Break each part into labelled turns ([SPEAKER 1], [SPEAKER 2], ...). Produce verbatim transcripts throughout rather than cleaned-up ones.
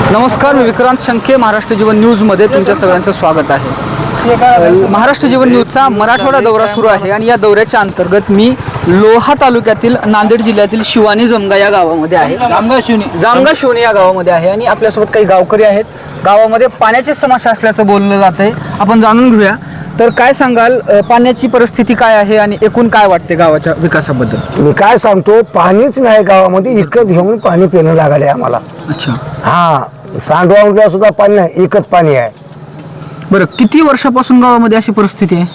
[SPEAKER 1] नमस्कार, मी विक्रांत शंके. महाराष्ट्र जीवन न्यूजमध्ये तुमच्या सगळ्यांचं स्वागत आहे. महाराष्ट्र जीवन न्यूजचा मराठवाडा दौरा सुरू आहे आणि या दौऱ्याच्या अंतर्गत मी लोहा तालुक्यातील नांदेड जिल्ह्यातील शिवानी जमगा या गावामध्ये आहे. जामगा शिवणी जामगा शिवणी या गावामध्ये आहे आणि आपल्यासोबत काही गावकरी आहेत. गावामध्ये पाण्याची समस्या असल्याचं बोललं जात आहे. आपण जाणून घेऊया. तर काय सांगाल, पाण्याची परिस्थिती काय आहे आणि एकूण काय वाटते गावाच्या विकासाबद्दल?
[SPEAKER 2] मी काय सांगतो, पाणीच नाही गावामध्ये. इकत घेऊन पाणी पिणं लागले आम्हाला.
[SPEAKER 1] अच्छा,
[SPEAKER 2] हा, सांडवांडला सुद्धा पाणी नाही, एकच पाणी आहे.
[SPEAKER 1] बरं, किती वर्षापासून गावामध्ये अशी परिस्थिती आहे?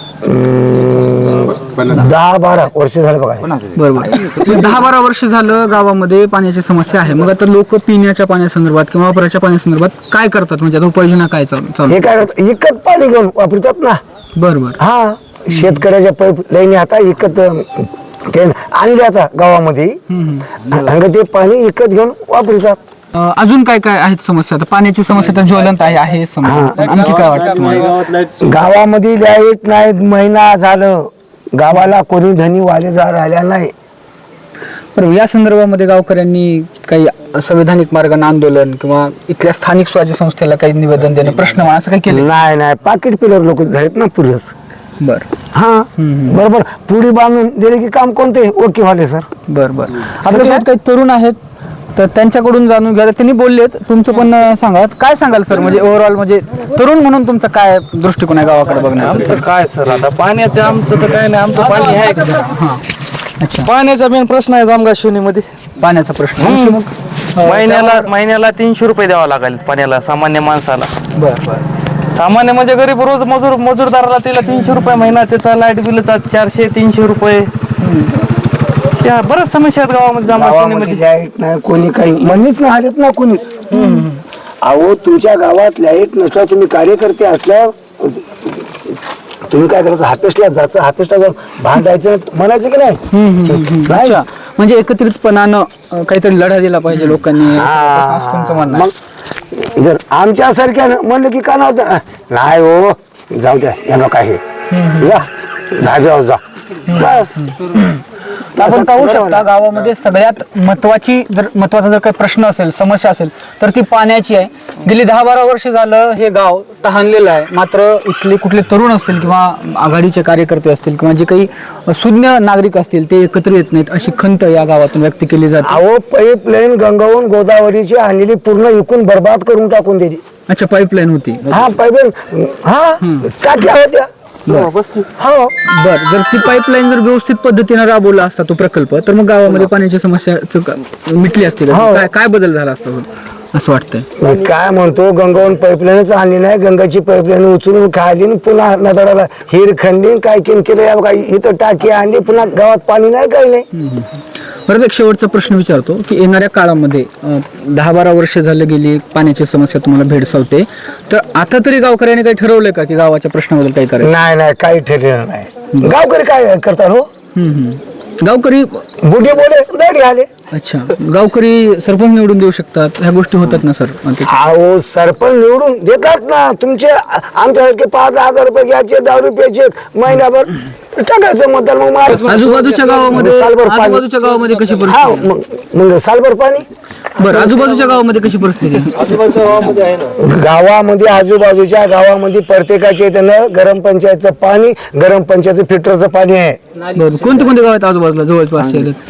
[SPEAKER 2] दहा बारा वर्ष झाले बघा.
[SPEAKER 1] बरोबर, दहा बारा वर्ष झालं गावामध्ये पाण्याची समस्या आहे. मग आता लोक पिण्याच्या पाण्यासंदर्भात किंवा वापराच्या पाण्यासंदर्भात काय करतात? म्हणजे आता उपाययोजना काय चालू?
[SPEAKER 2] हे काय करतात, एकच पाणी घेऊन वापरतात ना.
[SPEAKER 1] बरोबर,
[SPEAKER 2] हा, शेतकऱ्याच्या पाईप लाईन आता एकत ते आणले आता गावामध्ये, आणि ते पाणी एकत घेऊन वापरतात.
[SPEAKER 1] अं, अजून काय काय आहेत समस्या? आता पाण्याची समस्या तर ज्वलंत आहे आहे समजा. आणखी काय वाटतं तुम्हाला?
[SPEAKER 2] गावामध्ये लाईट नाही, महिना झालं गावाला कोणी धनी वालेदार राहिला नाही.
[SPEAKER 1] बरोबर, या संदर्भामध्ये गावकऱ्यांनी काही संविधानिक मार्गाने आंदोलन किंवा इथल्या स्थानिक स्वराज्य संस्थेला काही निवेदन देणं, प्रश्न असं काही केलं?
[SPEAKER 2] नाही नाही, पाकिट पिलर लोक झालेत ना पुढेच.
[SPEAKER 1] बर,
[SPEAKER 2] हा, बरोबर. पुढे बांधून दिले की काम कोणते ओके व्हाले सर.
[SPEAKER 1] बर बर आपल्यासोबत काही तरुण आहेत, तर त्यांच्याकडून जाणून घ्या. त्यांनी बोललेत, तुमचं पण सांगा. काय सांगाल सर, म्हणजे ओव्हरऑल म्हणजे तरुण म्हणून तुमचा काय दृष्टिकोन आहे गावाकडे बघण्याचा?
[SPEAKER 3] आमचं काय सर, आता पाण्याचं आमचं तर काय नाही, आमचं पाणी आहे का?
[SPEAKER 1] हां, अच्छा,
[SPEAKER 3] पाण्याचा मेन प्रश्न आहे जामगा शिवणीमध्ये.
[SPEAKER 1] पाण्याचा प्रश्न.
[SPEAKER 3] हम्म.
[SPEAKER 1] मग
[SPEAKER 3] महिन्याला महिन्याला तीनशे रुपये द्यावा लागेल पाण्याला सामान्य माणसाला.
[SPEAKER 1] बर बर
[SPEAKER 3] सामान्य म्हणजे गरीब रोज मजूर मजूरदाराला तिला तीनशे रुपये महिना, त्याचा लाईट बिलचा चारशे तीनशे रुपये. त्या बऱ्याच समस्या आहेत गावामध्ये जामगा
[SPEAKER 2] गावामध्ये
[SPEAKER 3] शिवणीमध्ये.
[SPEAKER 2] लाईट नाही, कोणी काही म्हणीच नाही आलेत ना कोणीच. अहो, तुमच्या गावात लाईट नसला, तुम्ही कार्यकर्ते असल्यावर तुम्ही काय करायचं, हापेसला जायचं, हापेसला जाऊन भांडायचं, म्हणायचं की नाही? नाही.
[SPEAKER 1] अच्छा, म्हणजे एकत्रितपणानं अं, काहीतरी लढा दिला पाहिजे लोकांनी, असं तुमचं म्हणणं आहे?
[SPEAKER 2] मग जर आमच्यासारख्या म्हणलं की का नव्हतं, नाही हो, जाऊ द्या, यांना काय हे, जा धाब्यावर जा, बस.
[SPEAKER 1] आपण पाहू शकता, गावामध्ये सगळ्यात महत्वाची जर महत्वाचा जर काही प्रश्न असेल, समस्या असेल, तर ती पाण्याची आहे. गेली दहा बारा वर्ष झालं हे गाव तहानलेलं आहे. मात्र इथले कुठले तरुण असतील किंवा आघाडीचे कार्यकर्ते असतील किंवा जे काही सुज्ञ नागरिक असतील, ते एकत्र येत नाहीत, अशी खंत या गावातून व्यक्त केली जाते.
[SPEAKER 2] अहो, पाईपलाईन गंगावून गोदावरीची आणलेली पूर्ण विकून बर्बाद करून टाकून दिली.
[SPEAKER 1] अच्छा, पाईपलाईन होती.
[SPEAKER 2] हा, पाईपलाईन, हा, टाक्या होत्या. हो,
[SPEAKER 1] बर, जर ती पाईपलाईन जर व्यवस्थित पद्धतीने राबवला असता तो प्रकल्प, तर मग गावामध्ये पाण्याची समस्या मिटली असती. काय काय बदल झाला असता असं वाटतंय?
[SPEAKER 2] मी काय म्हणतो, गंगावून पाईपलाईनच आणली नाही, गंगाची पाईपलाईन उचलून खाली न पुन्हा नदळाला हिरखंडी काय केन केलं या बघा, इथं टाकी आणली, पुन्हा गावात पाणी नाही, काही नाही.
[SPEAKER 1] बरं, एक शेवटचा प्रश्न विचारतो की येणाऱ्या काळामध्ये अं, दहा बारा वर्ष झाले गेली, पाण्याची समस्या तुम्हाला भेडसावते, तर आता तरी गावकऱ्यांनी काही ठरवलंय का की गावाच्या प्रश्नाबद्दल काही करायचं?
[SPEAKER 2] नाही नाही, काही ठरलेलं नाही. गावकरी काय करतात हो,
[SPEAKER 1] हम्म, हम्म. गावकरी
[SPEAKER 2] बुढे बोले दाढी आले.
[SPEAKER 1] अच्छा, गावकरी सरपंच निवडून देऊ शकतात, ह्या गोष्टी होतात ना सर?
[SPEAKER 2] अहो, सरपंच निवडून देतात ना. तुमचे आमच्यासारखे पाच हजार रुपये घ्यायचे, दहा रुपयाचे महिनाभर टाकायचं मतदान. मग मा-
[SPEAKER 1] आजूबाजूच्या गावामध्ये
[SPEAKER 2] सालभर पाणी.
[SPEAKER 1] आजूबाजूच्या गावामध्ये कशी
[SPEAKER 2] हा,
[SPEAKER 1] परिस्थिती?
[SPEAKER 2] मग मग सालभर पाणी.
[SPEAKER 1] बरं, आजूबाजूच्या गावामध्ये कशी परिस्थिती आहे?
[SPEAKER 2] गावामध्ये आजूबाजूच्या गावामध्ये प्रत्येकाच्या इथं गरम पंचायतचं पाणी, गरम पंचायतचं फिल्टरचं पाणी आहे.
[SPEAKER 1] बरं, कोणते कोणते गाव आहेत आजूबाजूला जवळपास?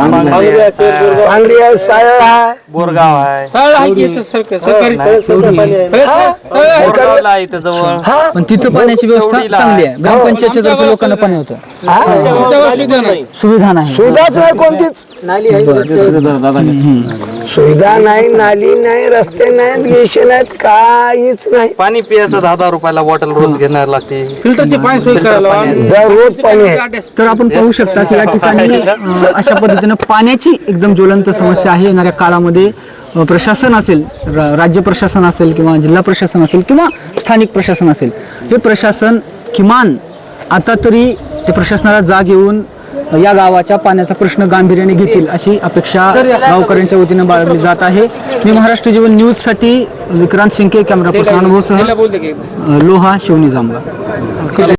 [SPEAKER 2] पांगरी आहे, सायळ आहे,
[SPEAKER 3] बोरगाव आहे, बोरगावला आहे इथं जवळ.
[SPEAKER 2] हा,
[SPEAKER 1] पण तिथं पाण्याची व्यवस्था चांगली आहे. ग्रामपंचायतच्या तर्फे लोकांना पाणी होतं, सुविधा नाही.
[SPEAKER 2] सुविधाच नाही कोणतीच. सुविधा नाही, नाली नाही, रस्ते नाहीत, गिशे नाहीत, काहीच नाही.
[SPEAKER 3] पाणी पियाचं दहा दहा रुपयाला बॉटल रोज घेणार लागते. फिल्टरचे पाणी सोय करायला
[SPEAKER 2] दररोज पाणी आहे.
[SPEAKER 1] तर आपण पाहू शकता की या ठिकाणी अं, अशा पद्धतीनं पाण्याची एकदम ज्वलंत समस्या आहे. येणाऱ्या काळामध्ये अं, प्रशासन असेल, रा- राज्य प्रशासन असेल किंवा जिल्हा प्रशासन असेल किंवा स्थानिक प्रशासन असेल, हे प्रशासन किमान आता तरी ते प्रशासनाला जाग येऊन या गावाच्या पाण्याचा प्रश्न गांभीर्याने घेतील अशी अपेक्षा गावकऱ्यांच्या वतीने बाळगली जात आहे. मी महाराष्ट्र जीवन न्यूजसाठी विक्रांत शिंके, कॅमेरा पर्सन अनुभवसह लोहा शिवणी जामगा.